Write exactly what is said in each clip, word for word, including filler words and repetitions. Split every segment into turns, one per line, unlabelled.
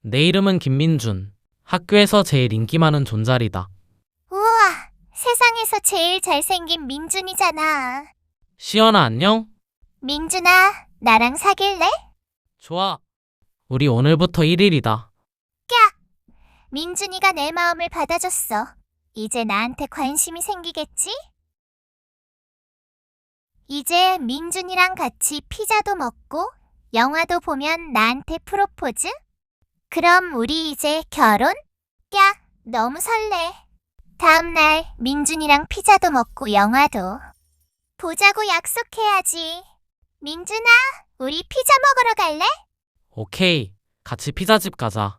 내 이름은 김민준. 학교에서 제일 인기 많은 존잘이다.
우와, 세상에서 제일 잘생긴 민준이잖아.
시연아, 안녕?
민준아, 나랑 사귈래?
좋아. 우리 오늘부터 일 일이다.
민준이가 내 마음을 받아줬어. 이제 나한테 관심이 생기겠지? 이제 민준이랑 같이 피자도 먹고 영화도 보면 나한테 프로포즈? 그럼 우리 이제 결혼? 야, 너무 설레. 다음날 민준이랑 피자도 먹고 영화도 보자고 약속해야지. 민준아, 우리 피자 먹으러 갈래?
오케이. 같이 피자집 가자.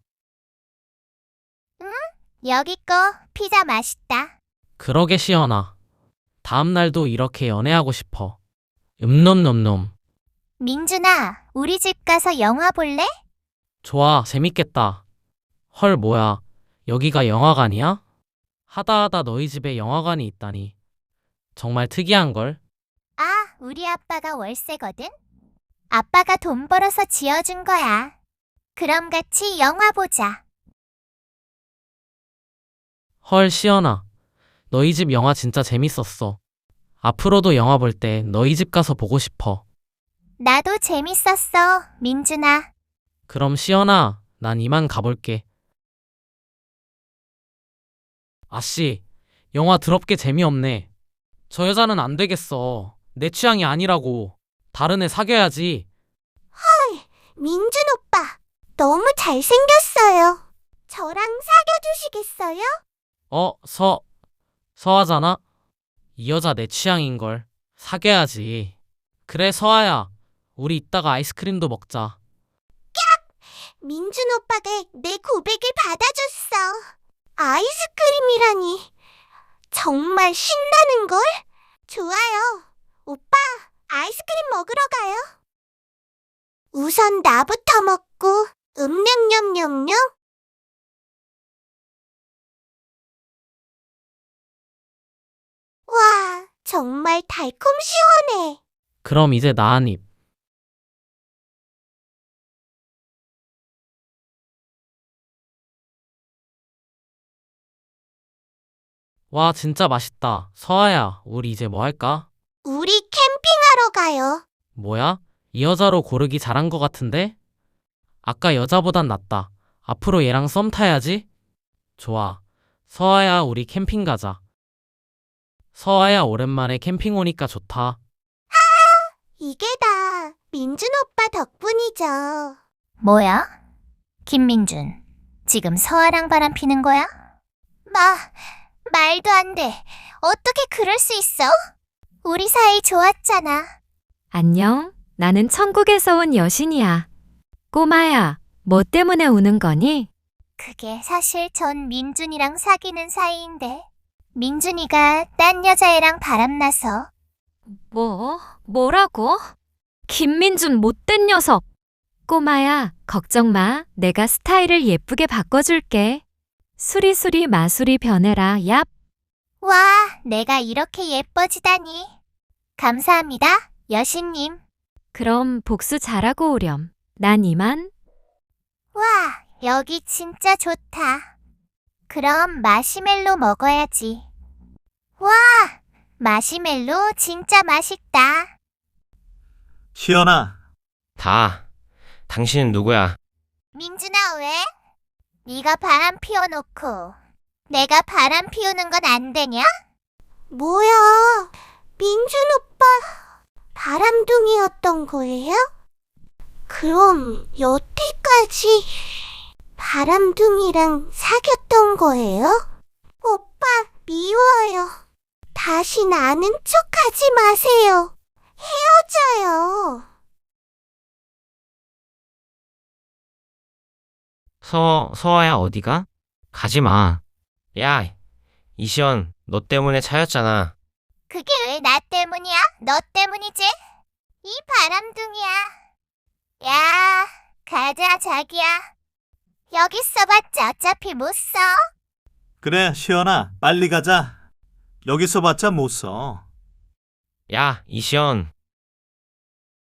여기 거 피자 맛있다.
그러게 시연아. 다음 날도 이렇게 연애하고 싶어. 음놈놈놈.
민준아, 우리 집 가서 영화 볼래?
좋아, 재밌겠다. 헐, 뭐야. 여기가 영화관이야? 하다하다 너희 집에 영화관이 있다니. 정말 특이한걸?
아, 우리 아빠가 월세거든? 아빠가 돈 벌어서 지어준 거야. 그럼 같이 영화 보자.
헐, 시연아. 너희 집 영화 진짜 재밌었어. 앞으로도 영화 볼 때 너희 집 가서 보고 싶어.
나도 재밌었어, 민준아.
그럼 시연아, 난 이만 가볼게. 아씨, 영화 더럽게 재미없네. 저 여자는 안 되겠어. 내 취향이 아니라고. 다른 애 사귀어야지.
민준 오빠, 너무 잘생겼어요. 저랑 사귀어주시겠어요?
어, 서, 서하잖아? 이 여자 내 취향인걸. 사귀어야지. 그래, 서하야. 우리 이따가 아이스크림도 먹자.
민준 오빠가 내 고백을 받아줬어. 아이스크림이라니. 정말 신나는걸? 좋아요. 오빠, 아이스크림 먹으러 가요. 우선 나부터 먹고, 음냠냠냠냠. 와, 정말 달콤 시원해.
그럼 이제 나 한 입. 와, 진짜 맛있다. 서하야, 우리 이제 뭐 할까?
우리 캠핑하러 가요.
뭐야? 이 여자로 고르기 잘한 것 같은데? 아까 여자보단 낫다. 앞으로 얘랑 썸 타야지. 좋아. 서하야, 우리 캠핑 가자. 서하야, 오랜만에 캠핑 오니까 좋다.
이게 다 민준 오빠 덕분이죠. 뭐야? 김민준, 지금 서아랑 바람 피는 거야? 마, 말도 안 돼. 어떻게 그럴 수 있어? 우리 사이 좋았잖아.
안녕, 나는 천국에서 온 여신이야. 꼬마야, 뭐 때문에 우는 거니?
그게 사실 전 민준이랑 사귀는 사이인데 민준이가 딴 여자애랑 바람나서.
뭐? 뭐라고? 김민준 못된 녀석! 꼬마야, 걱정 마. 내가 스타일을 예쁘게 바꿔줄게. 수리수리 마수리 변해라, 얍!
와, 내가 이렇게 예뻐지다니. 감사합니다, 여신님.
그럼 복수 잘하고 오렴. 난 이만.
와, 여기 진짜 좋다. 그럼 마시멜로 먹어야지. 와, 마시멜로 진짜 맛있다.
시연아,
다. 당신은 누구야?
민준아, 왜? 네가 바람 피워놓고 내가 바람 피우는 건 안 되냐? 뭐야, 민준 오빠 바람둥이였던 거예요? 그럼 여태까지 바람둥이랑 사귀었던 거예요? 오빠, 미워요. 다신 아는 척 하지 마세요. 헤어져요.
서, 서아야 어디가? 가지 마. 야, 이시연, 너 때문에 차였잖아.
그게 왜 나 때문이야? 너 때문이지? 이 바람둥이야. 야, 가자, 자기야. 여기 써봤자 어차피 못 써.
그래, 시연아, 빨리 가자. 여기서 봤자 못 써.
야, 이시연,